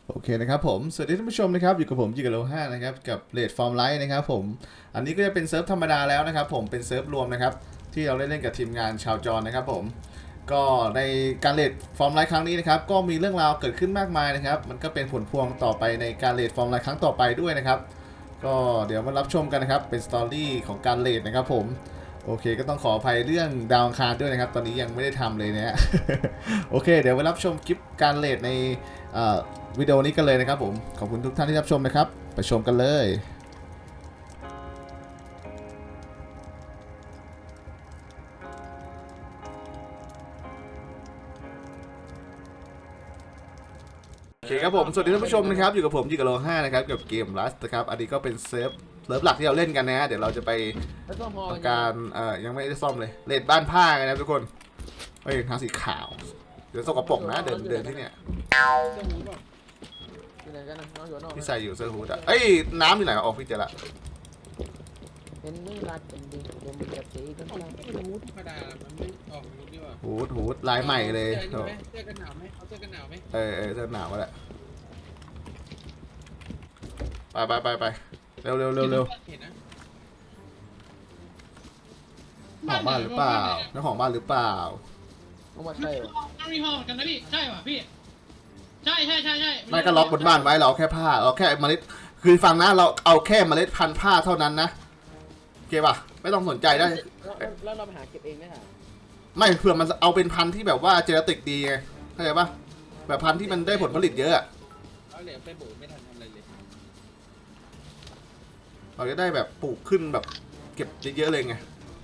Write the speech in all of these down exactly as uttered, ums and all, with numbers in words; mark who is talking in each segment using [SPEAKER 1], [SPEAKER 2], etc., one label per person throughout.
[SPEAKER 1] โอเคนะครับผมสวัสดีท่านผู้ชมนะครับอยู่กับผมจิกโลห้านะครับกับเลดฟอร์มไลท์นะครับผมอันนี้ก็จะเป็นเซิร์ฟธรรมดาแล้วนะครับผมเป็นเซิร์ฟรวมนะครับที่เราได้เล่นกับทีมงานชาวจรนะครับผมก็ในการเลดฟอร์มไลท์ครั้งนี้นะครับก็มีเรื่องราวเกิดขึ้นมากมายนะครับมันก็เป็นผลพวงต่อไปในการเลดฟอร์มไลท์ครั้งต่อไปด้วยนะครับก็เดี๋ยวมารับชมกันนะครับเป็นสตอรี่ของการเลดนะครับผมโอเคก็ต้องขออภัยเรื่องดาวอังคารด้วยนะครับตอนนี้ยังไม่ได้ทำเลยนะฮะ โอเคเดี๋ยวมารับชมคลิปการเลดในวิดีโอนี้กันเลยนะครับผมขอบคุณทุกท่านที่รับชมนะครับไปชมกันเลยโอเคครับผมสวัสดีท่านผู้ชมนะครับอยู่กับผมยิกะโลห้านะครับกับเกมลัสนะครับอันนี้ก็เป็นเซิร์ฟเซิร์ฟหลักที่เราเล่นกันนะฮะเดี๋ยวเราจะไปทำการเอ่อยังไม่ได้ซ่อมเลยเลดบ้านผ้ากันนะทุกคนเฮ้ยทางสีขาวเดี๋ยวสกปรกนะเดินเดินที่เนี่ยพี่ใส่อยู่เสื้อฮูดอ่ะเอ้ยน้ำอยู่ไหนออกพี่เจอละ
[SPEAKER 2] เป็นไม่รักเป็นดีเดี๋ยวมันจะตีกัน
[SPEAKER 3] ผมก็ไม่รู้ธรรมดามันไม่ออกรู้ดีกว่า
[SPEAKER 1] ฮูดฮูดลายใหม่เลย
[SPEAKER 3] เสื้อเสื้อกันหนาวไหมเขาเสื้อกันหนาวไหม
[SPEAKER 1] เออเออเสื้อหนาวก็แหละไปไปไปไปเร็วเร็วเร็วเร็ว
[SPEAKER 3] เห็นนะ
[SPEAKER 1] ของบ้านหรือเปล่าเจ้าของบ้านหรือเปล่า
[SPEAKER 2] เอามาใช่เหรอ
[SPEAKER 4] ต้องมีห้องเหมือนกันนะพี่ใช่ป่ะพี่ใช่ใช่ใช่ใช่
[SPEAKER 1] ไม่ก็ล็อกบนบ้านไว้เราแค่ผ้าเราแค่เมล็ดคือฟังนะเราเอาแค่เมล็ดพันธุ์ผ้าเท่านั้นนะโอเคป่ะไม่ต้องสนใจได้
[SPEAKER 2] แล้วเราไปหาเก็บเองได้หรอ
[SPEAKER 1] ไม่เผื่อมันเอาเป็นพันธุ์ที่แบบว่าเจเนติกดีไงเข้าใจป่ะแบบพันธุ์ที่มันได้ผลผลิตเยอะ
[SPEAKER 3] เอาเหลวไปโบกไม่ทันทำอะไรเลย
[SPEAKER 1] เราจะได้แบบปลูกขึ้นแบบเก็บเยอะๆเลยไง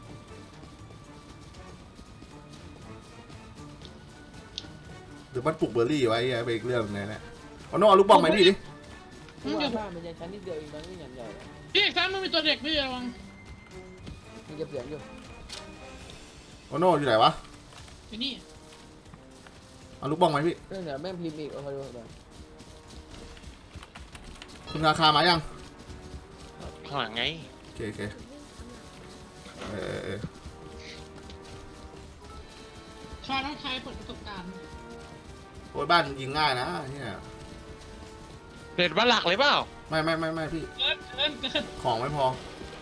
[SPEAKER 1] หรือมันปลูกเบอร์รี่ไว้ไปอีกเรื่องนึงเนี่ยเอาน้องเอาลูกบอลไหมพี่ดิ
[SPEAKER 2] ที่ว่าบ้านมันยังชั้นนิดเดียวเองมันไม่ใหญ่ใหญ่
[SPEAKER 4] พี่ซ้ำมันมีตัวเด็กพี่ระวัง
[SPEAKER 2] มันเก็บเสียงอยู่
[SPEAKER 1] เอาน้องอยู่ไหนวะ
[SPEAKER 4] อยู่นี่
[SPEAKER 1] เอาลูกบอลไหมพี่
[SPEAKER 2] เรื่องเดี๋ยวแม่งพิมพ์อีกเอาไปดูเลย
[SPEAKER 1] คุณราคามายัง
[SPEAKER 5] ข้างหลังไง
[SPEAKER 1] โอเคโอเคเออเออ
[SPEAKER 4] ชาต้องใช้เปิดประสบการณ์
[SPEAKER 1] โอ้ยบ้านยิงง่ายนะเนี่ย
[SPEAKER 5] เด็ดว่าหลักเลยเปล่า
[SPEAKER 1] ไม่ไม่ไม่ไม่พี่
[SPEAKER 4] เกินเกินเกิน
[SPEAKER 1] ของไม่พอ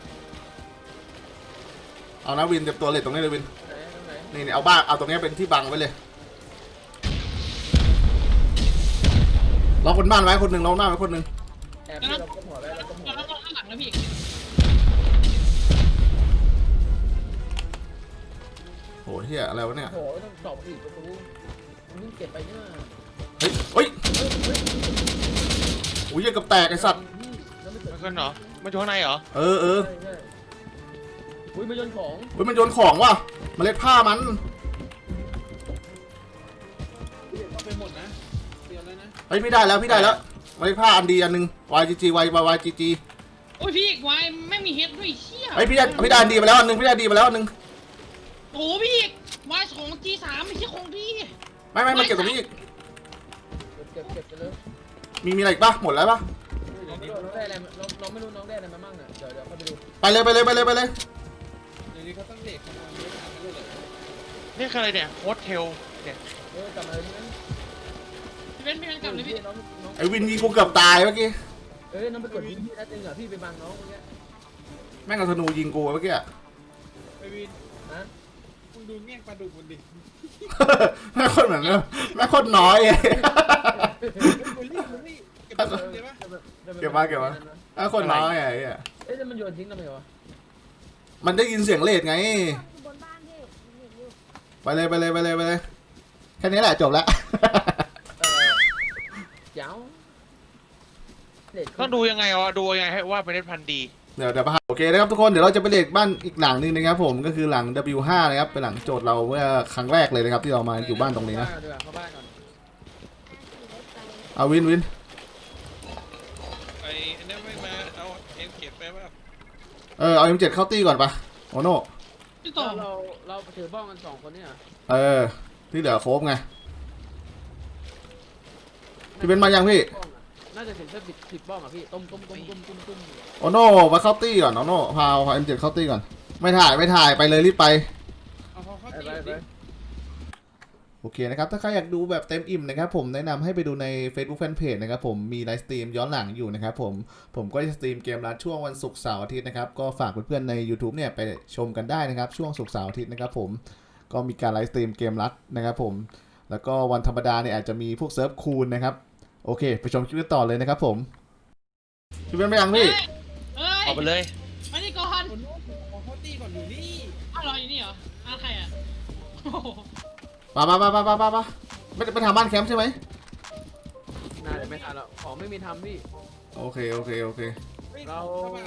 [SPEAKER 1] เอานะวินเต็มตัวเลยตรงนี้เลยวิน
[SPEAKER 2] ไหนตรงไหน
[SPEAKER 1] นี่นี่เอาบ้านเอาตรงนี้เป็นที่บังไว้เลยล็อกบนบ้านไว้คนหนึ่งล็อกหน้าไว้คนหนึ่ง
[SPEAKER 2] แอบที่เราก็หัวไว้เราก็หัว
[SPEAKER 4] แล้วก็ข้างหลังนะพี่
[SPEAKER 1] โหเฮียอะไรวะเนี่ย
[SPEAKER 2] โอ้โหต้องตอบอีกประตูมันเพิ่งเก็บไปเนี่ย
[SPEAKER 1] เฮ้ยเฮ้ยโอ้ยยังกับแตกไอ้สัตว์
[SPEAKER 5] ไม่ขึ้นเหรอไม่อยู่ข้างในเหรอ
[SPEAKER 1] เออเออ
[SPEAKER 2] ใช่ใช่อุ้ยมาโยนของ
[SPEAKER 1] เฮ้ยมันโยนของว่ะเมล็ดผ้ามัน
[SPEAKER 3] เอาไปหมดนะเตรียมแล้วนะ
[SPEAKER 1] เฮ้ยพี่ได้แล้วพี่ได้แล้วเมล็ดผ้าอันดีอันหนึ่ง วาย จี จี วาย วาย จี จี
[SPEAKER 4] โอ้ยพี่วายไม่มีเฮดด้วยเชี่ย
[SPEAKER 1] เฮ้ยพี่ได้พี่ได้อันดีมาแล้วอันหนึ่งพี่ได้ดีมาแล้วอันหนึ่ง
[SPEAKER 4] โอ้พี่วายสองจีสามไม่ใช่ของพี่
[SPEAKER 1] ไม่ไม่มาเก็บตรงนี้อีก
[SPEAKER 2] เก็บเก็บกันเลย
[SPEAKER 1] มีมีอะไรอีกปะหมดแล้วปะ
[SPEAKER 2] น้องไม่รู้น้องได้อะไรน้องน้องไม่รู้น้องได้อะไรมาบ้างเนี่ยเดี๋ยวเดี๋ยวเข้าไปดู
[SPEAKER 1] ไปเลยไปเลยไปเลยไปเลย
[SPEAKER 3] เดี๋ยวนี้เขาต้องเด็กขโมยไม่ทันกันเลยเหรอ
[SPEAKER 5] นี่คืออะไรเนี่ยโฮสเทลเนี่ย
[SPEAKER 2] เออกลับมาเลยนะ
[SPEAKER 4] พี่เป็นพี่เป็นกลับเลยพี่
[SPEAKER 2] น้องน้อง
[SPEAKER 1] ไอ้วินยิงกูเกือบตายเมื่อกี้
[SPEAKER 2] เอ้ยน้องไปกดยิงพี่นัดนึงเหรอพี่ไปบังน้องเมื่อกี้
[SPEAKER 1] แม่งเอาธนูยิงกูเมื่อกี้
[SPEAKER 3] ไปวิน
[SPEAKER 2] นะ
[SPEAKER 3] คุณดูเมี่ยงปลาดุกมันดิ
[SPEAKER 1] แม่งโคนเหมือนแม่งโคนน้อยไง
[SPEAKER 3] บุลลี่บุลลี่เก็บไปเลยปะ
[SPEAKER 1] เก็บมาเก็บมาแม่งโคนน้อยไงไอ้เหี้ย
[SPEAKER 2] เอ๊ะแล้วมันโยนทิ้งทำไมวะ
[SPEAKER 1] มันได้ยินเสียงเลดไง
[SPEAKER 6] บนบ้านพี่เห็นอยู่
[SPEAKER 1] ไปเลยไปเลยไปเลยไปเลยแค่นี้แหละจบแล้ว
[SPEAKER 2] เออเจ้าเด็ด
[SPEAKER 5] ต้องดูยังไงวะดูยังไงให้ว่าเป็นเน็ตพันธุ์ดี
[SPEAKER 1] เดี๋ยวเดี๋ยวมาโอเคนะครับทุกคนเดี๋ยวเราจะไปเลดบ้านอีกหลังหนึงนะครับผมก็คือหลัง ดับเบิลยู ห้า นะครับเป็นหลังโจทย์เราเมื่อครั้งแรกเลยนะครับที่เรามาอยู่บ้านตรงนี้นะ
[SPEAKER 2] เข้าบ้านก่อน
[SPEAKER 1] เอาวินวิน
[SPEAKER 3] ไอ้นั่นไม่มาเอาเอ็มเก็บไปว่า
[SPEAKER 1] เออเอา เอ็ม เจ็ด เข้าตี้ก่อนปะโอโน่
[SPEAKER 4] พี่ต่อ
[SPEAKER 2] เราเราถือบ้องกันสองคนเนี่ย
[SPEAKER 1] เออที่เหลือโคบไงพี่เป็นมายังพี่
[SPEAKER 2] น่าจะถึงแค่สิบสิบบ้องอ่ะพี่ต้มต้มต้มต้มต้มต้ม
[SPEAKER 1] โอโน่มาเข้าตี้ก่อนโอโน่พาพา เอ็ม เจ็ด เข้าตี้ก่อนไม่ถ่ายไม่ถ่ายไปเลยรีบไป
[SPEAKER 3] เอาเขาเข้า
[SPEAKER 2] ไป
[SPEAKER 3] ตี
[SPEAKER 2] ไปไป
[SPEAKER 3] ดิ
[SPEAKER 1] โอเคนะครับถ้าใครอยากดูแบบเต็มอิ่มนะครับผมแนะนำให้ไปดูใน Facebook Fanpage นะครับผมมีไลฟ์สตรีมย้อนหลังอยู่นะครับผมผมก็จะสตรีมเกมรัดช่วงวันศุกร์เสาร์อาทิตย์นะครับก็ฝากเพื่อนๆใน YouTube เนี่ยไปชมกันได้นะครับช่วงศุกร์เสาร์อาทิตย์นะครับผมก็มีการไลฟ์สตรีมเกมรัดนะครับผมแล้วก็วันธรรมดาเนี่ยอาจจะมีพวกเซิร์ฟคูลนะครับโอเคไปชมคลิปกันต่อเลยนะครับผมพี่เป็นไปยังพี่
[SPEAKER 4] เอ้ย
[SPEAKER 5] ออกไปเลย
[SPEAKER 4] มานี่ก่อน
[SPEAKER 2] คนนู้นของเขาตีก่อนอยู่นี่
[SPEAKER 4] อ้าวรออยู่นี่เหรออ้าวใครอ่ะโอ้โห
[SPEAKER 1] มามามามามามามาไม่ไม่ทำบ้านแคมป์ใช่ไหม
[SPEAKER 2] น่าจะไม่ทันแล้วของไม่มีทำพี่
[SPEAKER 1] โอเคโอเคโอเค
[SPEAKER 2] เรา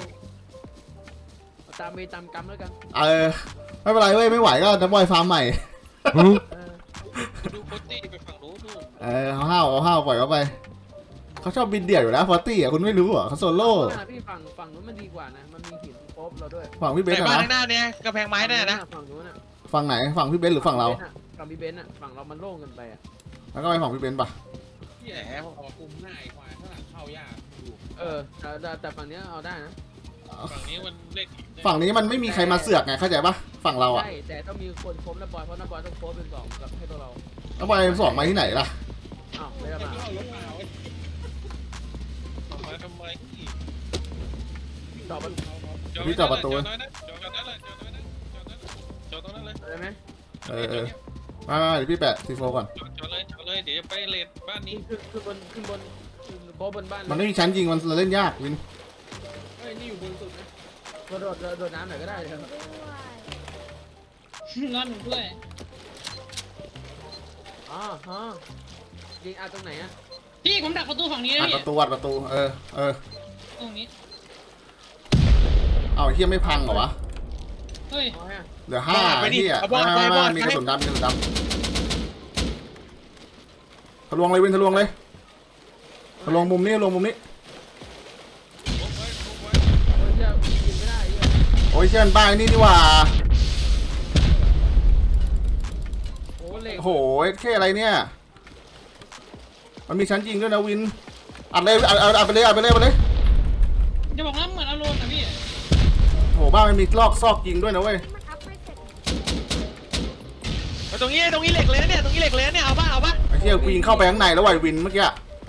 [SPEAKER 2] เอาตามมีตามกรรมแล้วกัน
[SPEAKER 1] เออไม่เป็นไรเว้ยไม่ไหวก็น้ำบอยฟาร์มใหม่
[SPEAKER 2] เออ
[SPEAKER 3] ดูโคตตี้ไปฝั่งนู้นนู่น
[SPEAKER 1] เออเอาห้าวเอาห้าวปล่อยเขาไปเขาชอบบินเดี่ยวอยู่แล้วฟอร์ตี้อ่ะคุณไม่รู้เหรอเขาโซโล่
[SPEAKER 2] ฝั่งพี่ฝั่งฝั่งนู้นมันดีกว่านะมันมีหินโป๊บเราด้วย
[SPEAKER 1] ฝั่งพี่เบ
[SPEAKER 5] ไหน
[SPEAKER 1] นซ์
[SPEAKER 5] บ้าน
[SPEAKER 1] อะ
[SPEAKER 5] ข้างห
[SPEAKER 1] นะ
[SPEAKER 5] น้าเนี่ยกระแพงไม้นั่นน่ะนะ
[SPEAKER 2] ฝั่งนู้นน่ะ
[SPEAKER 1] ฝั่งไหนฝั่งพี่เบนซ์หรือฝั่งเรา
[SPEAKER 2] ฝั่งพี่เบนซ์อ่ะฝั่งเรามันโล่งเกินไปอ่ะ
[SPEAKER 1] แล้วก็ไปฝั่งพี่เบนซ์ปะ
[SPEAKER 2] แหม
[SPEAKER 7] ออกคุมหน้าไอ้ควายข้างหลังเข้ายากอยู่
[SPEAKER 2] เออแต่แต่แต่ฝั่งเนี้ยเอาได้นะ
[SPEAKER 3] ฝั่งนี้มันเล่นอีก
[SPEAKER 1] ฝั่งนี้มันไม่มีใครมาเสือกไงเข้าใจปะฝั่งเราอ่ะ
[SPEAKER 2] ใช่แต่ต้องมีคนครบนะบอยเพราะนะบอยต้องโค้ชเป็นสองกับให้ตัวเรา
[SPEAKER 1] แล้วบอยสองมาที่ไหนล่ะ
[SPEAKER 2] อ้าวไม่ได้
[SPEAKER 7] แต่
[SPEAKER 2] มา
[SPEAKER 7] ก็เอารถมาไว้
[SPEAKER 3] ออกมาทำไม
[SPEAKER 2] จอดมัน
[SPEAKER 1] พี่จอดประตู
[SPEAKER 3] จอดนั้นจอดนั้นเลยจอดนั้นเลยจอดนั้นเลย
[SPEAKER 2] ได้ไหม
[SPEAKER 1] เออเออมามาเดี๋ยวพี่แปะซีโฟก่อน
[SPEAKER 3] จอดจอดเลยจอดเลยเดี๋ยวจะไปเลนบ้านนี้
[SPEAKER 2] นี่ขึ้นขึ้นบนขึ้นบนขึ้นโค้ชบนบ้าน
[SPEAKER 1] มันไม่มีชั้นยิงมันเล่นยากวิน
[SPEAKER 7] เฮ้ยนี่อยู่บนสุดนะ
[SPEAKER 2] กระโดดกระโดดน้ำหน่อยก็ได้เลยครับ
[SPEAKER 4] นอนหนูด้วย
[SPEAKER 2] อ๋อฮะยิงอาตรงไหนอ่ะ
[SPEAKER 4] พี่ผมดักประตูฝั่งนี้
[SPEAKER 1] อั
[SPEAKER 4] นะ
[SPEAKER 1] ดป
[SPEAKER 4] พี่
[SPEAKER 1] ระตูอัดประตูเออเออ
[SPEAKER 4] ตรงนี้
[SPEAKER 1] เอาไอ้เฮียไม่พังเหรอวะ
[SPEAKER 4] เฮ้ย
[SPEAKER 2] อ๋อฮะ
[SPEAKER 1] เหลือห้าไอ้เฮียไม่ไม่ไม่มีกระสุนดำมีกระสุนดำทะลวงเลยวินทะลวงเลยทะลวงมุมนี้ทะลวงมุมนี้
[SPEAKER 3] ลงไว้ลงไว้
[SPEAKER 2] โอ้ยเชี่ยยิงไม่ได้เหี้ย
[SPEAKER 1] โอ้ยเช่นบ้านนี่นี่หว่า
[SPEAKER 2] โอ้เหล็ก
[SPEAKER 1] โอ้โหแค่อะไรเนี่ยมันมีชั้นยิงด้วยนะวินอัดเลยอัดอัดอัดไปเลยอัดไปเลยอัดไปเลย
[SPEAKER 4] จะบอกว่าเหมือนอารมณ์นะพี่
[SPEAKER 1] โอ้โหบ้านมันมีลอกซอกยิงด้วยนะเว้ย
[SPEAKER 6] มันอัพไม่เสร็จ
[SPEAKER 5] เอาตรงนี้ตรงนี้เหล็กเลยนะเนี่ยตรงนี้เหล็กเลยนะเนี่ยเอาป่ะเอาป่ะ
[SPEAKER 1] ไอ้เหี้ยกูยิงเข้าไปข้างในแล้วไอ้วินเมื่อกี้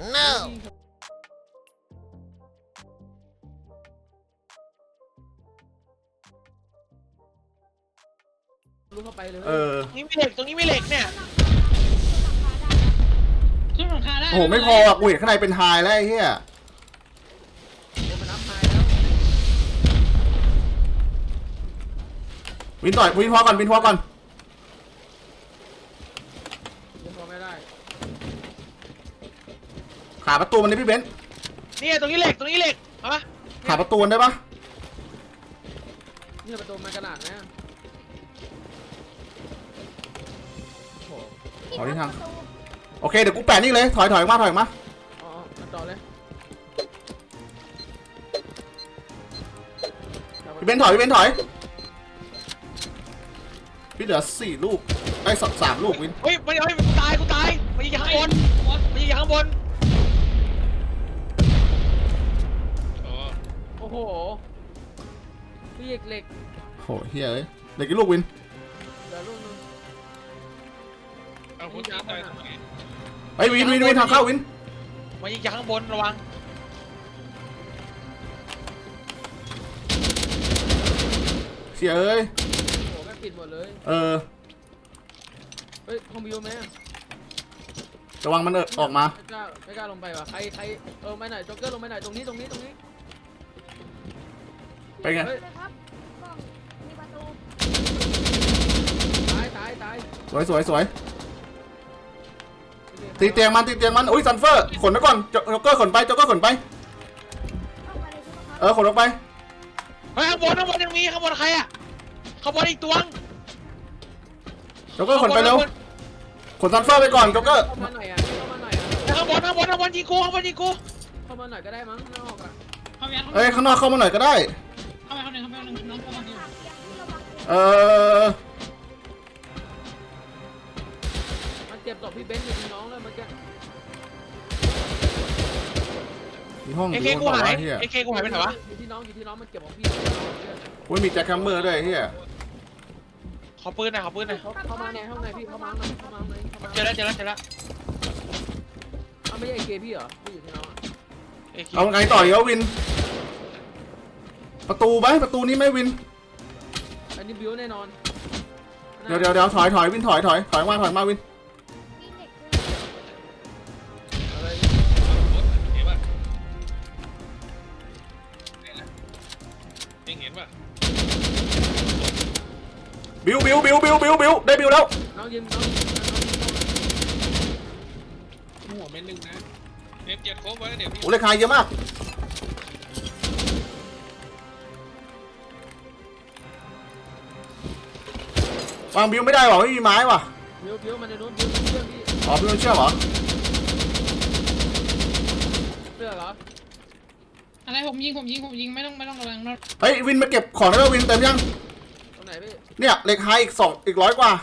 [SPEAKER 2] ลุกเข้าไปเลย
[SPEAKER 1] เออ
[SPEAKER 5] ตรงนี้มีเหล็กตรงนี้มีเหล็กเนี่ย
[SPEAKER 4] ขึ้นหลังคาได้
[SPEAKER 1] โอ้โหไม่พออ่ะกูเห็นข้างในเป็นไฮแล้วไอ้เหี้ย
[SPEAKER 2] โอ้มันน้ำพายแล้ว
[SPEAKER 1] วินต่อยวินพอก่อนวินพอก่อน
[SPEAKER 2] ยังพอไม่ได้
[SPEAKER 1] ขาประตูมันเลยพี่เบนซ์
[SPEAKER 5] เนี่ยตรงนี้เหล็กตรงนี้เหล็กเอาป่ะ
[SPEAKER 1] ขาประตูมันได้ปะ
[SPEAKER 2] เนี่ยประตูมันกระดาษนะโอ้โห
[SPEAKER 1] ขอที่ทางโอเคเดี๋ยวกูแปะนี่เลยถอยถอยมาถอยมา
[SPEAKER 2] อ๋อมาต่อเลย
[SPEAKER 1] พี่เบนซ์ถอยพี่เบนซ์ถอยพี่เหลือสี่ลูกไอ้สสามลูกวิน
[SPEAKER 5] เฮ้ยมันเฮ้ยกูตายกูตายมันยิงจากข้างบนมันยิงจากข้างบน
[SPEAKER 3] อ๋อ
[SPEAKER 2] โอ้โหพี่เหล็กเหล็ก
[SPEAKER 1] โหเฮียเอ้ยเหลือกี่ลูกวิน
[SPEAKER 2] เหลือลูกนึง
[SPEAKER 3] เอาคนที่ตายตรงไหน
[SPEAKER 1] ไอ้ยวินวินวินทางเข้าวิน
[SPEAKER 5] มันยิงจากข้างบนระวัง
[SPEAKER 1] เชียเอ้ย
[SPEAKER 2] โอ้โหแม่งปิดหมดเลย
[SPEAKER 1] เออ
[SPEAKER 2] เฮ้ยคอมบิวไหม
[SPEAKER 1] ระวังมันเออออกมา
[SPEAKER 2] ไม่กล้าไม่กล้าลงไปว่ะใครใครเออไม่หน่อยจ็อกเกอร์ลงไปหน่อยตรงนี้ตรงนี้ตรงนี้
[SPEAKER 1] ไปไง
[SPEAKER 2] เฮ้ย
[SPEAKER 6] เลยครับกล้องมีประตู
[SPEAKER 2] ตายตายตาย
[SPEAKER 1] สวยสวยสวยตีเตียงมันตีเตียงมันอุ้ยซันเฟอร์ขนไปก่อนจ็อกเกอร์ขนไปจ็อกเกอร์ขนไป
[SPEAKER 6] เข้าไปเลยใช่ไหมครับ
[SPEAKER 1] เออขนออกไป
[SPEAKER 5] เฮ้ยข้างบนข้างบนยังมีข้างบนใครอะข้างบนอีกตัวง
[SPEAKER 1] จ็อกเกอร์ขนไปเร็วขนซันเฟอร์ไปก่อนจ็อกเกอร์
[SPEAKER 2] เข้ามาหน่อยอ่ะเข้ามาหน่อยอ่ะ
[SPEAKER 5] ข้างบนข้างบนข้างบนยิงกูข้างบนยิงกู
[SPEAKER 2] เข้ามาหน่อยก็ได้มั้งนอกอ่ะ
[SPEAKER 4] เข้าไป
[SPEAKER 1] เอ้ยข้างนอกเข้ามาหน่อยก็ได้
[SPEAKER 4] เข้าไปเข้าไปเข้าไปเข้าไปน้องเข้ามาดิ
[SPEAKER 6] ถามเตียงที่ระวังเตียง
[SPEAKER 1] เออ
[SPEAKER 2] มันเจ็บศพพี่เบนซ์อยู่น้องเลยมันจะ
[SPEAKER 1] มีห้องอ
[SPEAKER 5] เอยู่ เค
[SPEAKER 1] บ
[SPEAKER 5] กู
[SPEAKER 1] นต่อ
[SPEAKER 5] หาย
[SPEAKER 1] วะเฮีย
[SPEAKER 2] Ờ,
[SPEAKER 5] เอเคกูหายไปไหนวะ
[SPEAKER 2] อยู่ที่น้องอยู่ที่น้องมันเก็บของพี่
[SPEAKER 1] อุ้ยมีแจ็คแคมเมอร์ด้วยเฮีย
[SPEAKER 5] ขอปืนหน่อยขอปืนหน่อย
[SPEAKER 2] เขาเข้ามาในห้องในพี่เข้ามาข้างในเข้ามาข้างในเข้ามา
[SPEAKER 5] เจอแล้วเจอแล้วเจอแล้ว
[SPEAKER 2] เอาไม่ใช่ไอเกพี่เหรอพี่อยู่ที่น้องอะ
[SPEAKER 5] เอ้ย
[SPEAKER 1] เอาไงต่ออีกแล้ววิน ประตูไหมประตูนี้ไหม่วิน
[SPEAKER 2] อันนี้บิวแน่นอน
[SPEAKER 1] เดี๋ยวเดี๋ยวเดี๋ยวถอยถอยวินถอยถอยถอยมาถอยมาวิน
[SPEAKER 6] มีเด็กด้วย
[SPEAKER 2] อะไร
[SPEAKER 3] เห็นป่ะเองเห็นป่ะ
[SPEAKER 1] บิวบิวบิวบิวบิวบิวได้บิวแล้ว
[SPEAKER 2] น้องยิมน้องยิมน้องยิม
[SPEAKER 7] หัวเม็ดหนึ่งนะ
[SPEAKER 3] เอ็มเจ็ดครบไว้เดี๋ยวพี่
[SPEAKER 1] โอ้เลขายเยอะมากวางบิวไม่ได้หรอไม่มีไม้ว่ะ
[SPEAKER 2] บิวบิวมันในนู้นบิวเชื่อพี่
[SPEAKER 1] อ๋อบิวเชื่อเหรอ
[SPEAKER 2] เชื่อเหรอ
[SPEAKER 4] อะไรผมยิงผมยิงผมยิงไม่ต้องไม่ต้องระวังนะ
[SPEAKER 1] เฮ้ยวินมาเก็บของได้แล้ววินเต็มยัง
[SPEAKER 2] ตรงไหนพี่
[SPEAKER 1] เนี่ยเหล็กไฮอีกสองอีกร้อยกว่า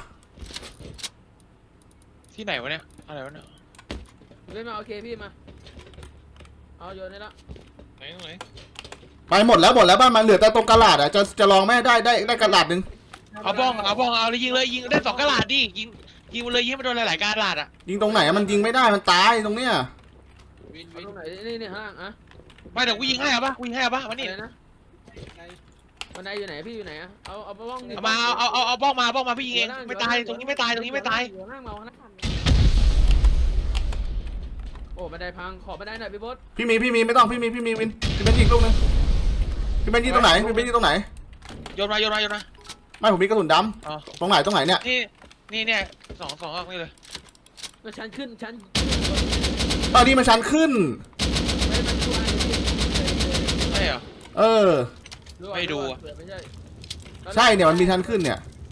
[SPEAKER 5] ที่ไหนวะเนี่ยอะไรวะเนี่ย
[SPEAKER 2] เว้ยมาโอเคพี่มาเอาโยนได้ละ
[SPEAKER 3] ไหนตรงไหน
[SPEAKER 1] ไปหมดแล้วหมดแล้วบ้านมันเหลือแต่ตรงกระดาษอ่ะจะจะลองแม่ได้ได้ได้กระดาษหนึ่ง
[SPEAKER 5] เอาบ้องเอาบ้องเอาเลยยิงเลยยิงได้สองกระดาษดิยิงยิงไปเลยยิงไปโดนหลายๆกระดาษอ่ะ
[SPEAKER 1] ยิงตรงไหนอะมันยิงไม่ได้มันตายตรงเนี้ย
[SPEAKER 7] วิน
[SPEAKER 2] เอา
[SPEAKER 7] วิน
[SPEAKER 2] ตรงไหนนี่นี่ข้างล่างอะ
[SPEAKER 5] ไม่เดี๋ยวกูยิงให้อะปะกูยิงให้อะปะมานี่
[SPEAKER 2] อะไรนะ
[SPEAKER 7] ไกล
[SPEAKER 2] บันไดอยู่ไหนพี่อยู่ไหนอะเอาเอาบ้องนี่
[SPEAKER 5] เอามาเอาเอาเอาบ้องมาบ้องมาพี่ยิงเองไม่ตายตรงนี้ไม่ตายตรงนี้ไม่ตาย
[SPEAKER 2] อยู่ข้างล่างมาข้างล่างโอ้บันไดพังขอบันไดหน่อยพี่บด
[SPEAKER 1] พี่มีพี่มีไม่ต้องพี่มีพี่มีวินพี่เป็นยิงลูกนึงพี่เป็นยิงตรงไหนพี่เป็นยิงตรงไหน
[SPEAKER 5] โยนมาโยนมาโยนมา
[SPEAKER 1] ไม่ผมมีกระสุนด
[SPEAKER 5] อ๋อ
[SPEAKER 1] ำตรงไหนตรงไหนเนี่ย
[SPEAKER 5] นี่นี่เนี่ยสองสองออกนี่เลย
[SPEAKER 2] มันชั้นขึ้นชั้น
[SPEAKER 1] ตอนนี้มันชันขึ้น
[SPEAKER 2] ไม่มันช่วย
[SPEAKER 5] ใช่เหรอ
[SPEAKER 1] เออ
[SPEAKER 5] ไม่ดูอะ
[SPEAKER 2] ไม่ใช่
[SPEAKER 1] ใช่เนี่ยมันมีชันขึ้นเนี่ย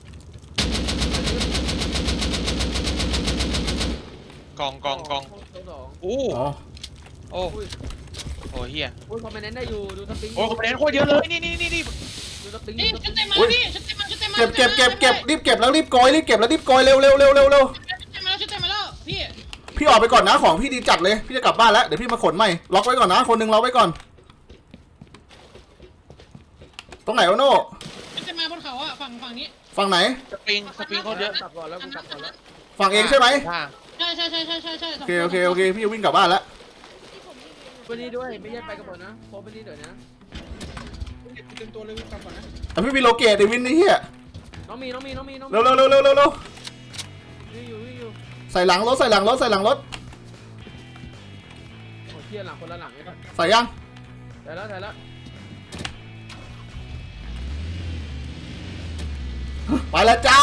[SPEAKER 5] กองกองกอง
[SPEAKER 2] สอง
[SPEAKER 5] อู้
[SPEAKER 1] อ๋อ
[SPEAKER 5] โอ้โอ้เฮีย
[SPEAKER 2] โอ้ยคอมเมนต์ได้อยู่ดูสปริง
[SPEAKER 5] โอ้คอมเมนต์โคตรเยอะเลยนี่นี่นี่นี่
[SPEAKER 2] ดูสปริง
[SPEAKER 4] นี่
[SPEAKER 2] ดูสป
[SPEAKER 4] ชุ
[SPEAKER 2] ริ
[SPEAKER 4] ด
[SPEAKER 2] ง
[SPEAKER 4] เต็มมาพี่ชุดเต็มมาชุดเต็มมา
[SPEAKER 1] เก็บเก็บเก็บเก็บรีบเก็บแล้วรีบโกยรีบเก็บแล้วรีบโกยเร็วเร็วเร็วเร็วเร็วเร็ว
[SPEAKER 4] ชุดเต็มมาแล้วชุดเต็มมาแล้วพี่
[SPEAKER 1] พี่ออกไปก่อนนะของพี่ดีจัดเลยพี่จะกลับบ้านแล้วเดี๋ยวพี่มาขนใหม่ล็อกไว้ก่อนนะคนหนึ่งล็อกไว้ก่อนตรงไหนวะโน่
[SPEAKER 4] ชุดเต็มมาบนเขาอะฝั่งฝั่งนี้
[SPEAKER 1] ฝั่งไหน
[SPEAKER 5] สปริงสปริงโคตรเยอะ
[SPEAKER 2] กลับก่อนแล้วกูกลับก่อนแล้ว
[SPEAKER 1] ฝั่งเองใช่ไหม
[SPEAKER 5] ค่ะ
[SPEAKER 4] ใช่ใช่ใช่ใช่ใช่ใช่
[SPEAKER 1] โอเคโอเคโอเคพี่จะวิ่งกลับบ้านแล้ว
[SPEAKER 6] ที่ผมยิงเอง
[SPEAKER 2] วันนี้ด้วยไม่ใช่ไปกับผมนะโควันนี้เดี๋ยวนะ
[SPEAKER 7] เก็บเต็มตัวเลยวินกลับก่อนนะ
[SPEAKER 1] แต่พี่มีโลเกตไอ้วินนี่เฮีย
[SPEAKER 2] น้องมีน้องมีน้องมีน้องมี
[SPEAKER 1] เร็วเร็วเร็วเร็วเร็วเร็ว
[SPEAKER 2] วิ่งอยู่วิ่งอยู่
[SPEAKER 1] ใส่หลังรถใส่หลังรถใส่หลังรถ
[SPEAKER 2] โอ้เที่ยหลังคนละหลังเลย
[SPEAKER 1] ใส่ยัง
[SPEAKER 2] แต่แล้วแต่แล้ว
[SPEAKER 1] ไปแล้วจ้า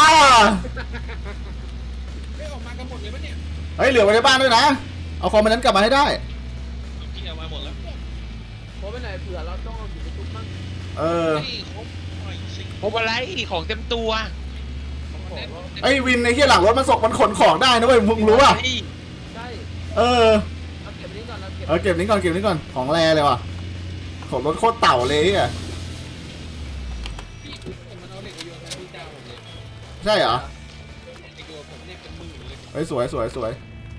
[SPEAKER 7] เฮ้ยออกมากันหมดเลยปะเนี่ย
[SPEAKER 1] เฮ้ยเหลือไว้ในบ้านด้วยนะ เอาคอมมันนั้นกลับมาให้ได้
[SPEAKER 3] พี่เอามาหมดแล้ว
[SPEAKER 2] โคไปไหนเผื่อเราต้องเอาอยู่ในตุ๊กมั่ง
[SPEAKER 1] เออ
[SPEAKER 3] นี่ครบไอ้สิ
[SPEAKER 5] พบอะไรของเต็มตัว
[SPEAKER 1] ไอ้วินในที่หลังรถมันส่งมันขนของได้นะเว้ยมึงรู้ป่ะ
[SPEAKER 2] ใช่
[SPEAKER 1] เออ
[SPEAKER 2] เอาเก็บนี้ก่อนเราเก็บ
[SPEAKER 1] เออเก็บนี้ก่อนเก็บนี้ก่อนของแรเลยว่ะของรถโคตรเต่าเลยอ่ะ
[SPEAKER 7] พี่ผมมันเอาเหล็กไปโยนให้พี่เจ้าผมเลย
[SPEAKER 1] ใช่เหรอ
[SPEAKER 7] เหล็กโยนผมเนี่ยเป็นหมื่นเลย
[SPEAKER 1] เฮ้ยสวยสวยสวย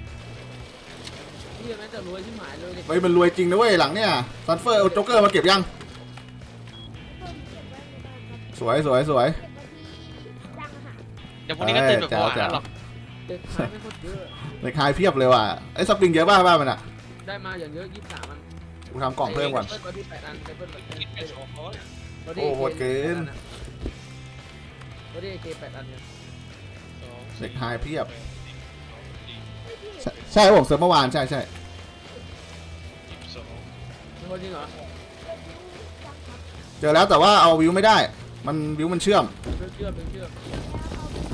[SPEAKER 2] พี่แม่งจะรวยที่หมายเลย
[SPEAKER 1] เฮ้ยมันรวยจริงนะเว้ยหลังเนี่ยซันเฟอร์เอาโจ๊กเกอร์มาเก็บยัง
[SPEAKER 6] เพิ่มเก็บไว้ในบ้านครับ
[SPEAKER 1] สวยสวยสวย
[SPEAKER 6] เก็บไว้ที่ดังอาหาร
[SPEAKER 5] เดี๋ยวพรุ่งนี้ก็ตื่นแบบเมื่อวานนั่นหรอก
[SPEAKER 2] เด็กขายไม่โคตรเยอะ
[SPEAKER 1] ในคายเพียบเลยว่ะไอ้สปริงเยอะป่ะบ้านมันอ่ะ
[SPEAKER 2] ได้มาอย่างเยอะยี่สิบสามมัน
[SPEAKER 1] กูทำกล่องเพิ่มก่อน
[SPEAKER 2] เปิ้ลที่แปดอันเปิ้ล
[SPEAKER 3] กินไปสองร้อย
[SPEAKER 1] โอ้โหดเกิน
[SPEAKER 2] ตัวนี้เกแปดอันเนี่ย
[SPEAKER 3] สอง
[SPEAKER 1] เด็กไฮเพียบ
[SPEAKER 6] เฮ้ยพี่
[SPEAKER 1] ใช่ใช่ครับผมเซิร์ฟเมื่อวานใช่ใช่
[SPEAKER 3] สิบสอง
[SPEAKER 2] มีคนจริงเหรอ
[SPEAKER 6] เก็บนิ้วจังครับ
[SPEAKER 1] เจอแล้วแต่ว่าเอาวิวไม่ได้ มันวิวมันเชื่อม
[SPEAKER 2] เป็นเชื่อมเป็นเชื่อม
[SPEAKER 6] แล้วเอาไป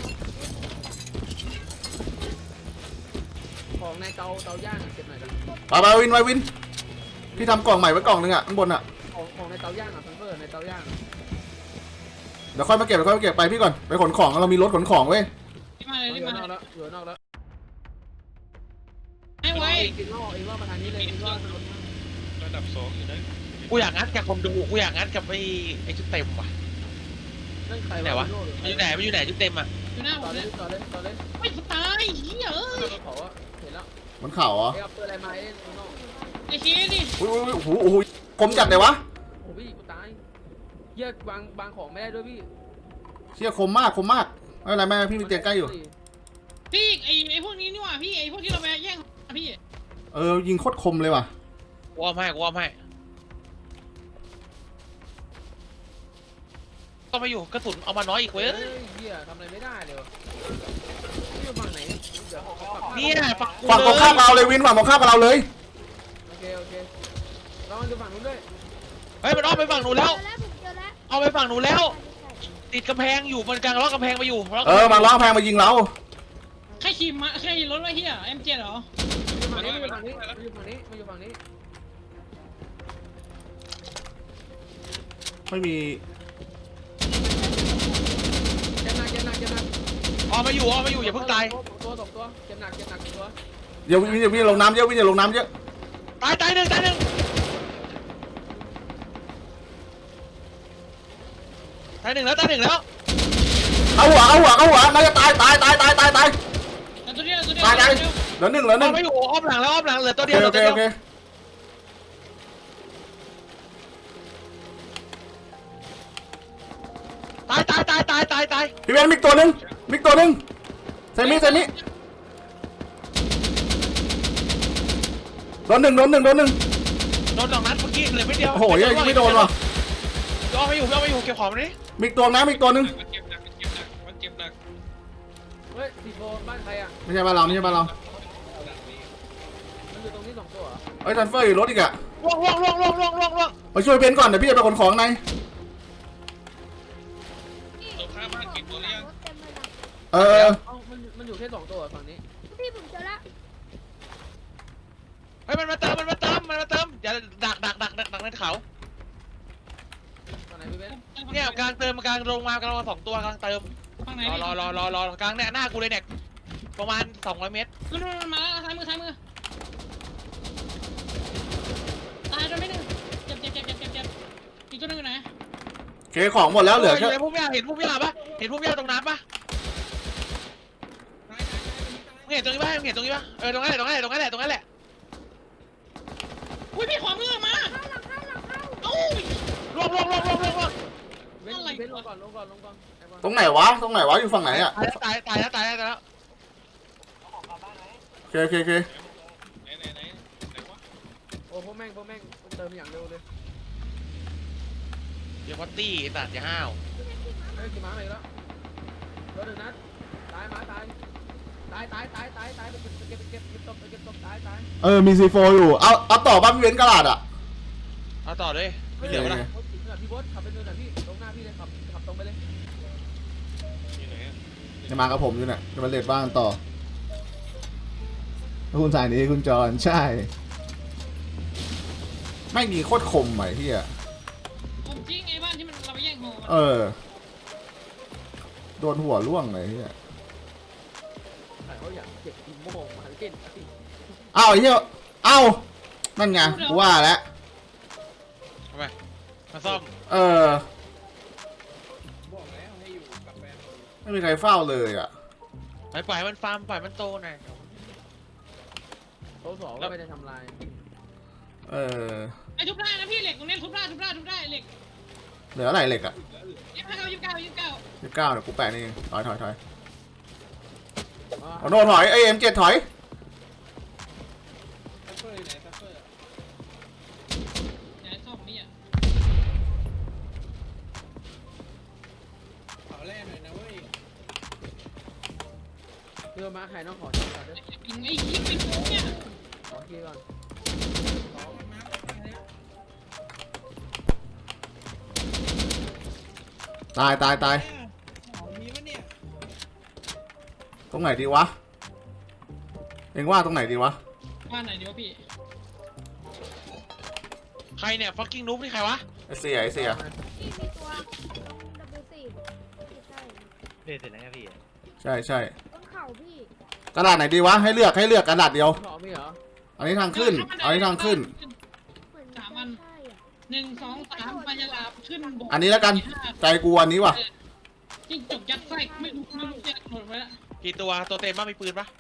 [SPEAKER 6] ใส่
[SPEAKER 2] ของในเตาเตาย่างเก็บหน่อยนะ
[SPEAKER 1] ไปไปวินไปวินพี่ทำกล่องใหม่ไว้กล่องนึงอ่ะข้างบนอ่ะ
[SPEAKER 2] ของของในเตาย่างอ่ะซันเฟอร์ในเตาย่าง
[SPEAKER 1] เดี๋ยวค่อยมาเก็บเดี๋ยวค่อยมาเก็บไปพี่ก่อนไปขนของเรามีรถขนของเว้ย
[SPEAKER 4] รีบมาเลย
[SPEAKER 2] เห
[SPEAKER 4] รี
[SPEAKER 2] ลื
[SPEAKER 4] บ
[SPEAKER 2] อ
[SPEAKER 4] มาน
[SPEAKER 2] อกแล้วเหลือนอกแล้ว
[SPEAKER 4] ให้ไว้
[SPEAKER 2] อีกรอบอีกรอบมาทางนี้เลยอีกรอบมันลงมา
[SPEAKER 3] ระดับสองอยู่นะ
[SPEAKER 5] กูอยากงัดกับคนดูกูอยากงัดกับไอ้ไอ้ชุดเต็มว่ะ
[SPEAKER 2] เรื่องใคร
[SPEAKER 5] ไหนวะ มันอยู่ไหนมันอยู่ไหนชุดเต็มอ่ะ
[SPEAKER 4] อยู่หน้าผ
[SPEAKER 2] ต่อ
[SPEAKER 4] ม
[SPEAKER 2] เล
[SPEAKER 4] เนี่ย ย
[SPEAKER 2] ต่อเลยต่อเลย
[SPEAKER 4] ไม่ตายเหี้ยเอ้ย
[SPEAKER 2] ขอว่าเห็นแล้ว
[SPEAKER 1] มันเข่าเหรอ
[SPEAKER 2] ไอ้เอาเปิดอะไรมาเอ้โน่
[SPEAKER 4] ไอ้ชี้ดิ
[SPEAKER 1] อุ้ยอุ้ยโอ้โหโอ้โหคมจัดเลยวะ
[SPEAKER 2] โอ้พี่กูตายเหี้ยบางบางของไม่ได้ด้วยพี่
[SPEAKER 1] เชี่ยคมมากคมมากไม่เป็นไรแม่พี่มีเตียงใกล้อยู่
[SPEAKER 4] พี่ไอไอพวกนี้นี่หว่าพี่ไอพวกที่เราไปแย่งพี่
[SPEAKER 1] เออยิงโคตรคมเลยว่ะ
[SPEAKER 5] วอร์มให้วอร์มให้ต้องไปอยู่กระสุนเอามาน้อยอีกเว้ย
[SPEAKER 2] เฮ้ยเหี้ยทำอะไรไม่ได้เลยวะอยู่ฝั่งไหนเดี๋ยวเขาปรับ
[SPEAKER 5] เนี่ยฝั่งกู
[SPEAKER 1] ฝั่งตรงข้ามกับเราเลยวินฝั่งตรงข้ามกับเราเลย
[SPEAKER 2] โอเคโอเคลองดูฝั่งนู้นด้วย
[SPEAKER 5] เฮ้ยมันอ้อมไปฝั่งหนูแล้ว
[SPEAKER 6] เจอแล้วผมเจอแล้ว
[SPEAKER 5] เอาไปฝั่งหนูแล้ว ติดกำแพงอยู่มันกลางล็อกกำแพงมาอยู่ล็ก
[SPEAKER 1] เออมาล้อแพงมายิงเรา
[SPEAKER 4] ใครขี่มาใครขี่รถวะเฮียเอ็มเจ็ดเหรอ
[SPEAKER 2] มาอยู่ฝั่งนี้มาอยู่ฝั่งนี้มาอยู่ฝั่งนี้มาอยู่ฝั่งนี้
[SPEAKER 1] ไม่มี
[SPEAKER 2] เจ็บหนักเจ็บหนักเจ็บหนัก
[SPEAKER 5] ออกมาอยู่ออกมาอยู่อย่าเพิ่งตาย
[SPEAKER 2] ตัวสองตัวเจ็บหนักเจ็บหนักตัว
[SPEAKER 1] เดี๋ยววินเดี๋ยววินลงน้ำเยอะวินอย่าลงน้ำเยอะ
[SPEAKER 5] ตายตายหนึ่งตายหนึ่งตายหนึ่งแล้วตายหนึ่งแล้ว
[SPEAKER 1] เอาหัวเอาหัวเอาหัวน่าจะตายตายตายตายตายตาย
[SPEAKER 4] แต่ตัวเดียวตัวเดียว
[SPEAKER 1] ตายตาย
[SPEAKER 4] ตัวเดียว
[SPEAKER 1] เหลือหนึ่งเหลือห
[SPEAKER 5] อ
[SPEAKER 1] นึ่
[SPEAKER 5] อง กมาอยู่อ้อมหลังแล้วอ้อมหลังเหลือตัว
[SPEAKER 1] โอ
[SPEAKER 5] เดี
[SPEAKER 1] เค
[SPEAKER 5] ยวเหลื
[SPEAKER 1] โอ
[SPEAKER 5] อ ตัวเดียว
[SPEAKER 1] เคโอเค
[SPEAKER 5] ตายตายตายตายตายตาย
[SPEAKER 1] พี่เบนมิกตัวหนึ่งมิกตัวหนึ่งใส่มิใส่มิโดนหนึ่งโดนหนึ่งโดนหนึ่ง
[SPEAKER 5] โดนสองนัดเมื่อกี้เหลือไม่เดียว
[SPEAKER 1] โอ้โหยังไม่โดนว่ะ
[SPEAKER 5] ย่อไม่อยู่ย่อไม่อยู่เก็บของมาดิ
[SPEAKER 1] มิกตัวนะมิกตัวหนึ่ง
[SPEAKER 3] มันเจ็บหนักมันเจ็บหนักมันเจ็บหนัก
[SPEAKER 2] เฮ้ยสีโฟบ้านใครอ่ะ
[SPEAKER 1] ไม่ใช่บ้านเราไม่ใช่บ้านเรา
[SPEAKER 2] มันอยู่ตรงนี้สองตัวเหรอ
[SPEAKER 1] เอ้ยทันเฟอร์อยู่รถอีกอะ
[SPEAKER 5] ล่วงล่วงล่วงล่วงล่วงล่วงล่วง
[SPEAKER 1] ไปช่วยเบนก่อนเดี๋ยวพี่จะไปขนของใน
[SPEAKER 3] ตรงข้ามบ้านกินตัวเลี้ยง
[SPEAKER 6] รถเต็มเลยนะ
[SPEAKER 1] เออเออ
[SPEAKER 2] เอ้ามันมันอยู่แค่สองตัวเหรอฝั่งนี้
[SPEAKER 6] พี่ผมเจอแล้ว
[SPEAKER 5] เฮ้ยมันมาเติมมันมาเติมมันมาเติมอย่าดักดักดักดักดักในเขา
[SPEAKER 2] ฝั่งไหนพี่เบน
[SPEAKER 5] เนี่ยกลางเติมกลางลงมากลางสองตัวกลางเติม
[SPEAKER 4] ฝั่งไหน
[SPEAKER 5] รอรอรอรอรอกลางเนี่ยหน้ากูเลยเนี่ยประมาณสองร้อยเมตร
[SPEAKER 4] มันมันมาแล้วซ้ายมือซ้ายมือตายตัวไม่หนึ่งเจ็บเจ็บเจ็บเจ็บเจ็บเจ็บอีกตัวหนึงอยู่ไหน
[SPEAKER 1] โอเคของหมดแล้วเหลือ
[SPEAKER 5] อ
[SPEAKER 1] แค่
[SPEAKER 5] ยู่ในพุ่มหญ้าเห็นพุ่มหญ้าปะเห็นพุ่มหญ้าตรงน้ำปะมึงเห็นตรงนี้ปะมึงเห็นตรงนี้ปะเออตรงนั้นแหละตรงนั้นแหละตรงนั้นแหละตรงนั้นแหละ
[SPEAKER 4] อุ้ยพี่ขวามือมา
[SPEAKER 6] เข้าหลังเข้าหลังเข้า
[SPEAKER 4] เอ้า
[SPEAKER 5] ล่วงล่วงล่วงล่วงล่วงล่วง
[SPEAKER 2] เบน
[SPEAKER 4] อะไร
[SPEAKER 2] เบนลงก่อนลงก่อนลงก่อนไอ้บอล
[SPEAKER 1] ตรงไหนวะตรงไหนวะอยู่ฝั่งไหนอะ
[SPEAKER 5] ตายตายแล้วตายแล้วตายแล้ว
[SPEAKER 1] โอเคโอเคโอเค
[SPEAKER 3] ไหนไหนไหนไหนวะ
[SPEAKER 2] โอ้พวกแม่งพวกแม่งเติมอย่างเร็วเลย
[SPEAKER 5] เดี๋ยววัตตี้ตัดอย่าห้าว
[SPEAKER 2] เฮ้ยกี่ม้าเลยแล้วตัวหนึ่งนัดตายม้าตายตายตายตายตายตายไปเก็บไปเก็บไปเก็บเก็บตบไปเก็บตบตายตาย
[SPEAKER 1] เออมีซีโฟอยู่เอาเอาต่อบ้านพี่เบนกระดาษอะ
[SPEAKER 5] เอาต่อเลยไม่เหลือวะนะ
[SPEAKER 2] พี่บอสขับไปเนินหน่อยพี่ตรงหน้าพี่เลยขับขับตรงไปเลย
[SPEAKER 3] อยู่ไหนอะ
[SPEAKER 1] จะมากับผมอยู่เนี่ยจะมาเลดบ้านต่อแล้วคุณสายนี้คุณจอนใช่ ไม่มีโคตรคมไหมพี่อะ
[SPEAKER 4] ผมจริงไอ้บ้านที่มันเราไปแย่งโห
[SPEAKER 1] เออโดนหัวล่วงเลยพี่อะ
[SPEAKER 2] แต่เขาอยากเก็บอีโม่มาเล่น
[SPEAKER 1] เอ้าไอ้เหี้ยเอ้านั่นไงกูว่าแล้ว
[SPEAKER 5] ทำไมมาซ่อม
[SPEAKER 1] เออ
[SPEAKER 7] บอกแล้วให้อยู่กับแฟน
[SPEAKER 1] ไม่มีใครเฝ้าเลยอะ
[SPEAKER 5] ปล่อยปล่อยมันฟาร์มปล่อยมันโตหน่อย
[SPEAKER 2] โต๊ะสองก็ไม่ได้ทำลาย
[SPEAKER 1] เออ
[SPEAKER 4] ไอ้ทุบได้นะพี่เหล็กตรงนี้ทุบได้ทุบได้ทุบได้เหล็ก
[SPEAKER 1] เหลืออะไรเหล็กอะ
[SPEAKER 4] ยี่สิบเก้ายี่สิบเก้ายี่สิบเก้า
[SPEAKER 1] ยี่สิบเก้าเดี๋ยวกูแปะนี่เองถอยถอยถอยเอาโน่ถอยไอเอ็มเจ็ดถอย
[SPEAKER 7] ซัฟเฟอร์อยู่ไหนซัฟเฟอร์
[SPEAKER 4] อย่าให้ชอบนี่อ่ะ
[SPEAKER 7] เผาแร่หน่อยนะเว้ย
[SPEAKER 2] เรือมาใครน้องขอชิมก่อนด้วย
[SPEAKER 4] ยิงไอ้ยิงเป็นโค้งเนี่ย
[SPEAKER 2] ขอชิมก่อน
[SPEAKER 7] สองมันมาไปแล้ว
[SPEAKER 1] ตายตายตาย
[SPEAKER 7] ของมีปะเนี่ย
[SPEAKER 1] ตรงไหนดีวะเอ็งว่าตรงไหนดีวะ
[SPEAKER 4] บ้านไหนเดี๋ยวพี่
[SPEAKER 5] ใครเนี่ย fucking noob นี่ใครวะ
[SPEAKER 1] ไอเสียไอเสีย
[SPEAKER 6] พี่มีตัวตรงดับเบิลสี่ใช่
[SPEAKER 5] เล่นเสร็จแล้วพี่
[SPEAKER 1] ใช่ใช่
[SPEAKER 6] ต้นเข่าพี่
[SPEAKER 1] กระดาษไหนดีวะให้เลือกให้เลือกกระดาษเดียว
[SPEAKER 2] ขอมีเหรอ
[SPEAKER 1] อันนี้ทางขึ้นอันนี้ทางขึ้น
[SPEAKER 6] เหมือนใช่อ่ะ
[SPEAKER 4] หนึ่งสองสามปัญญาลาขึ้นบก
[SPEAKER 1] อันนี้แล้วกันใจกูอันนี้ว่ะ
[SPEAKER 4] จิ้งจกยัดไส้ไม่รู้ไม่รู้จะหมดไปแล้ว
[SPEAKER 5] กี่ตัวตัวเต็มบ้างมีปืนปะ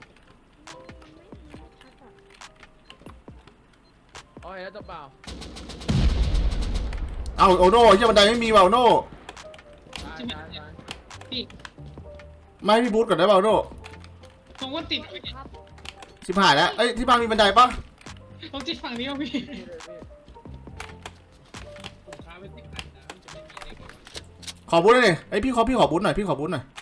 [SPEAKER 2] อ๋อเห็นแล้วตัวเปล่า
[SPEAKER 1] เอาโอโน่เชี่ยบันไดไม่มีว่ะโอโน่
[SPEAKER 2] ตายตายตาย
[SPEAKER 4] พี่
[SPEAKER 1] ไม่ให้พี่บูทก่อนได้เปล่าโด
[SPEAKER 4] ผมว่าติด
[SPEAKER 6] ครับ
[SPEAKER 1] ชิบหายแล้วเอ้ยที่บ้านมีบันไดปะ
[SPEAKER 4] ผมติดฝั่งนี้ว่ะพี่
[SPEAKER 2] พี่เลยพี่
[SPEAKER 7] ผมค้าไว้สิบอันนะมันจะไม่มีอะไรก่อน
[SPEAKER 1] ขอบูทหน่อยดิเอ้ยพี่ขอพี่ขอบูทหน่อยพี่ขอบูทหน่อย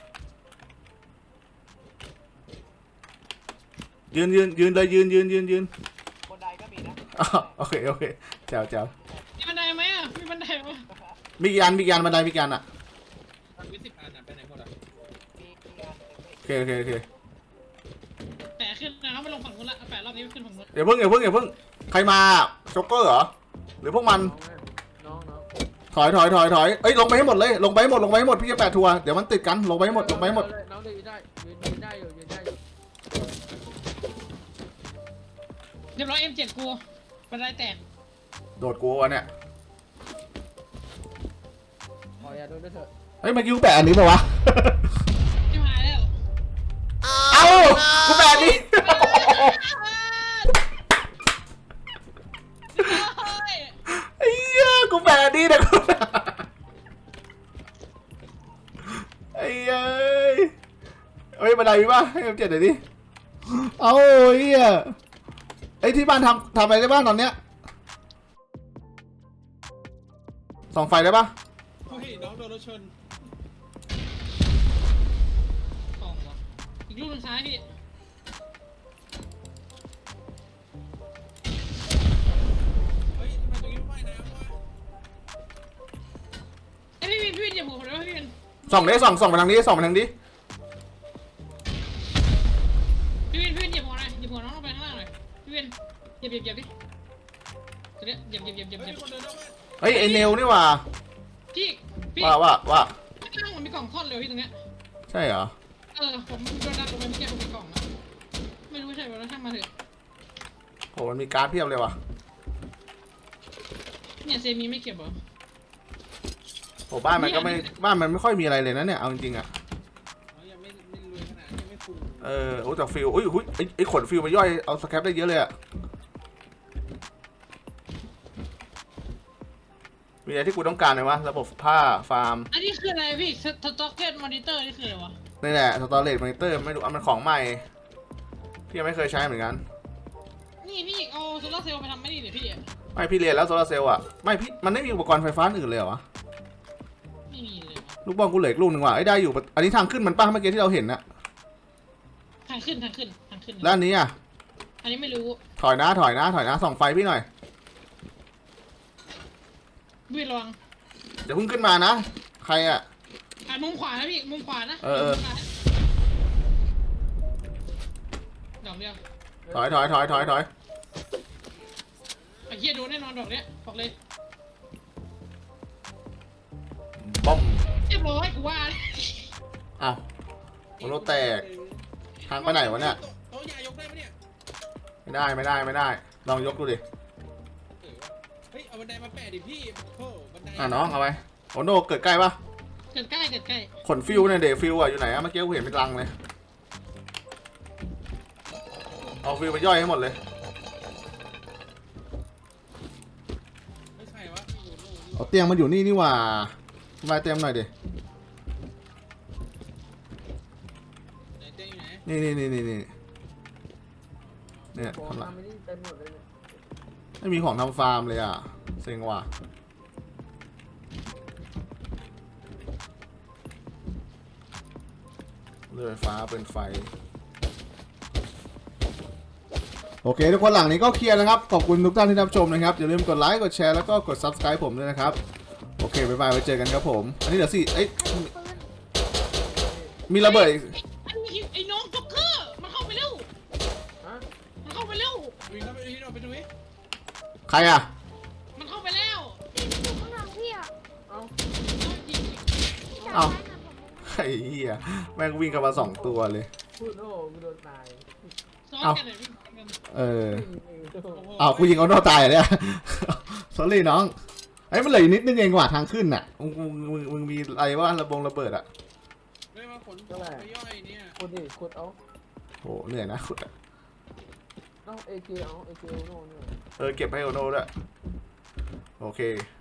[SPEAKER 1] ยืนยืนยืนเลยยืนยืนยืนยืน
[SPEAKER 5] บนไดก็มีนะ
[SPEAKER 1] อ้าวโอเคโอเคแจ๋วแจ๋ว
[SPEAKER 4] มีบันไดไหมอ่ะมีบันไดไหม
[SPEAKER 1] มีกี่อันมีกี่อันบันไดมีกี่อันอ่ะ
[SPEAKER 7] ทำไว้สิบอันอ่ะไปไหนหมดอ่ะ
[SPEAKER 5] มีมีงาน
[SPEAKER 1] โอเคโอเคโอเค
[SPEAKER 4] แปะขึ้นนะครับไม่ลงฝั่งนู้นละแปะรอบนี้ขึ้นฝั่งนู้น
[SPEAKER 1] อย่าเพิ่งอย่าเพิ่งอย่าเพิ่งใครมาโจ๊กเกอร์เหรอหรือพวกมัน
[SPEAKER 2] น้องน้อง
[SPEAKER 1] ถอยถอยถอยถอยเอ้ยลงไปให้หมดเลยลงไปให้หมดลงไปให้หมดพี่จะแปะทัวร์เดี๋ยวมันติดกันลงไปให้หมดลงไปให้หมด
[SPEAKER 2] น้องยืนได้ยืนยืนได้อยู่ยืนได้อยู่
[SPEAKER 4] เรียบร้อยเอ็มเจ็ดกูบันไดแตก
[SPEAKER 1] โดดกูวะเนี่ย
[SPEAKER 2] ขออย่าโดนด้วยเถอะ
[SPEAKER 1] เฮ้ยเมื่อกี้กูแปะอันนี้ป่าวะ
[SPEAKER 4] ชิบหายแล้ว
[SPEAKER 1] เอ้ากูแปะอันนี้ ไอ้เหี้ยกูแปะอันนี้นะกูไอ้เอ้ยเฮ้ยบันไดมีป่ะให้ผมเจ็ดหน่อยดิเอาเหี้ยไอ้ที่บ้านทำทำอะไรได้บ้างตอนเนี้ยส่องไฟได้ป่ะ
[SPEAKER 7] เฮ้ยน้องโดนรถชน
[SPEAKER 4] สองวะอีกลูกหนึงซ้ายพี่
[SPEAKER 7] เฮ้ยทำไมตรงนี้ไม่ว่ายน้ำวะ
[SPEAKER 4] ไอ้ยพี่วินพี่วินอย่าหมุนผมเลยว่าพี่วิน
[SPEAKER 1] ส่องดิส่องส่องไปทางนี้ส่องไปทางนี้
[SPEAKER 4] พี่วินพี่วินอย่าหมุนหน่อยอย่าหมุนน้องลงไปข้างล่างหน่อยพี่วินเหยียบเหยียบเหยียบดิตัวเนี้ยเหยียบเหยียบเหยียบเหยียบ
[SPEAKER 7] เฮ้
[SPEAKER 4] เหยียบ
[SPEAKER 7] ยคนเดินนอกบ้าน
[SPEAKER 1] เฮ้ยไอเนลนี่หว่า
[SPEAKER 4] พี่พี่
[SPEAKER 1] ว่าว่าว่า
[SPEAKER 4] ข้างล่างมันมีกล่องซ่อนเลยพี่ตรงเนี้ย
[SPEAKER 1] ใช่เหรอ
[SPEAKER 4] เออผมโดนดันลงไปเมื่อกี้ผมมีกล่องนะไม่รู้ใช่ไหมแล้วช่างมาเถอะ
[SPEAKER 1] โหมันมีการ์ดเพียบเลยว่ะ
[SPEAKER 4] เนี่ยเซมีไม่เก็บเหรอ
[SPEAKER 1] โหบ้านมันก็ไม่บ้านมันไม่ค่อยมีอะไรเลยนะเนี่ยเอาจริงๆอ่ะ
[SPEAKER 7] เขายังไม่ไม่รวยขนาดนี้ยังไม่ฟู
[SPEAKER 1] เออโอ้แต่ฟิลอุ้ยอุ้ยไอไอขนฟิลมาย่อยเอาสแครปได้เยอะเลยอ่ะมีอะไรที่กูต้องการไหมวะระบบผ้าฟาร์ม
[SPEAKER 4] อันนี้คืออะไรพี่สต็อกเก็ตมอนิเตอร์นี่คืออะไรวะ
[SPEAKER 1] นี่แหละสตอเรจมอนิเตอร์ไม่รู้อ่ะมันของใหม่พี่ยังไม่เคยใช้เหมือนกัน
[SPEAKER 4] นี่พี่เอาโซลาร์เซลล์ไปทำไม่ดีเดี๋ยวพี่อะ
[SPEAKER 1] ไม่พี่เรียนแล้วโซลาร์เซลล์อ่ะไม่พี่มันไม่มีอุปกรณ์ไฟฟ้าอื่นเลยเหรอวะ
[SPEAKER 4] ไม่มีเลยวะ
[SPEAKER 1] ลูกบอลกูเหลืออีกลูกหนึ่งว่ะไอ้ยได้อยู่อันนี้ทางขึ้นมันป้าเมื่อกี้ที่เราเห็นนะ
[SPEAKER 4] ทางขึ้นทางขึ้นทางขึ้น
[SPEAKER 1] แล้วอันนี้อ่ะ
[SPEAKER 4] อันนี้ไม่รู้
[SPEAKER 1] ถอยนะถอยนะถอยนะส่องไฟพี่หน่อย
[SPEAKER 4] พี่ระวัง
[SPEAKER 1] เดี๋ยวเพิ่งขึ้นมานะ ใครอ่ะ
[SPEAKER 4] อ่ะมุมขวานะพี่มุมขวานะ
[SPEAKER 1] เออเออ
[SPEAKER 4] มุมขวาดอกเดียว
[SPEAKER 1] ถอยถอยถอยถอยถอย
[SPEAKER 4] ไอ้เหี้ยโดนแน่นอนดอกเนี้ยบอกเลย
[SPEAKER 1] ป้อม
[SPEAKER 4] เรียบร้อยกูว่า
[SPEAKER 1] อ้าวโมโนแตกทางไปไหนวะเนี่ย
[SPEAKER 7] โต๊ะใหญ่ยกได้ปะเนี่ย
[SPEAKER 1] ไม่ได้ไม่ได้ไม่ได้ลองยกดูดิ
[SPEAKER 7] เออวะเฮ้ยเอาบันไดมาแปะดิพี่โธ่บันได
[SPEAKER 1] อ่ะน้องเอาไปโอโนเกิดใกล้ปะ
[SPEAKER 4] เกิดใกล้เกิดใกล้
[SPEAKER 1] ขนฟิวเนี่ยเดฟิวอ่ะอยู่ไหนอะเมื่อกี้กูเห็นเป็นรังเลยเอาฟิวไปย่อยให้หมดเลย
[SPEAKER 7] ไม่ใช่วะพี่อยู่โน่นนี่
[SPEAKER 1] เอาเตียงมันอยู่นี่นี่หว่ามาเตียงหน่อยดิ
[SPEAKER 7] ไหนเต้อยู่ไหน
[SPEAKER 1] นี่นี่นี่นี่นี่เนี่ย
[SPEAKER 2] ของ
[SPEAKER 1] ทำละ
[SPEAKER 2] ทำไม่ได้เต็มหมดเลยเนี่ย
[SPEAKER 1] ไม่มีของทำฟาร์มเลยอ่ะเซ็งว่ะเรือไฟฟ้าเป็นไฟโอเคทุกคนหลังนี้ก็เคลียร์นะครับขอบคุณทุกท่านที่รับชมนะครับอย่าลืมกดไลค์กดแชร์แล้วก็กด ซับสไครบ์ ผมด้วยนะครับโอเคบ๊ายบายไว้เจอกันครับผมอันนี้เดี๋ยวสิเอ้ย
[SPEAKER 6] ปืน
[SPEAKER 1] มีระเบิดอีก
[SPEAKER 4] ไอ้นี่ไอ้น้องจ็อกเกอร์มันเข้าไปเร็ว
[SPEAKER 2] ฮะ
[SPEAKER 4] มันเข้าไปเร็ว
[SPEAKER 7] วิ่งเข้าไปที่เราไปดูดิ
[SPEAKER 1] ใครอ่ะ
[SPEAKER 4] มันเข้าไปแล้ว
[SPEAKER 6] พี่อยู่ข้างหลังพี่อ่ะ
[SPEAKER 2] เอ้า
[SPEAKER 1] เอ้า
[SPEAKER 6] จับได้นะผม
[SPEAKER 1] ไอ้เหี้ยแม่งวิ่งกันมาสองตัวเลย
[SPEAKER 2] พูดโน่กูโดนตาย
[SPEAKER 4] ซ้อน
[SPEAKER 1] เอ้า
[SPEAKER 4] กันเลยพี่ซ้อนกัน
[SPEAKER 1] เออ
[SPEAKER 2] ยิงเองโธ่
[SPEAKER 1] อ้าวกูยิงเอาโน่ตายเหรอเนี่ย สอรี่น้องไอ้ยมันเหลืออีกนิดนึงเองกว่าทางขึ้นน่ะมึงมึงมึงมึงมีอะไรว่าระบงระเบิดอ่ะ
[SPEAKER 7] ไม่มาขนไปย่อยเนี่ย
[SPEAKER 2] ขุดดิขุดเอา
[SPEAKER 1] โหเหนื่อยนะขุดอะ
[SPEAKER 2] เอ้าเอเจเอาเอเจโน่เนี่ย
[SPEAKER 1] เออเก็บให้โอโน่ด้วยโอเค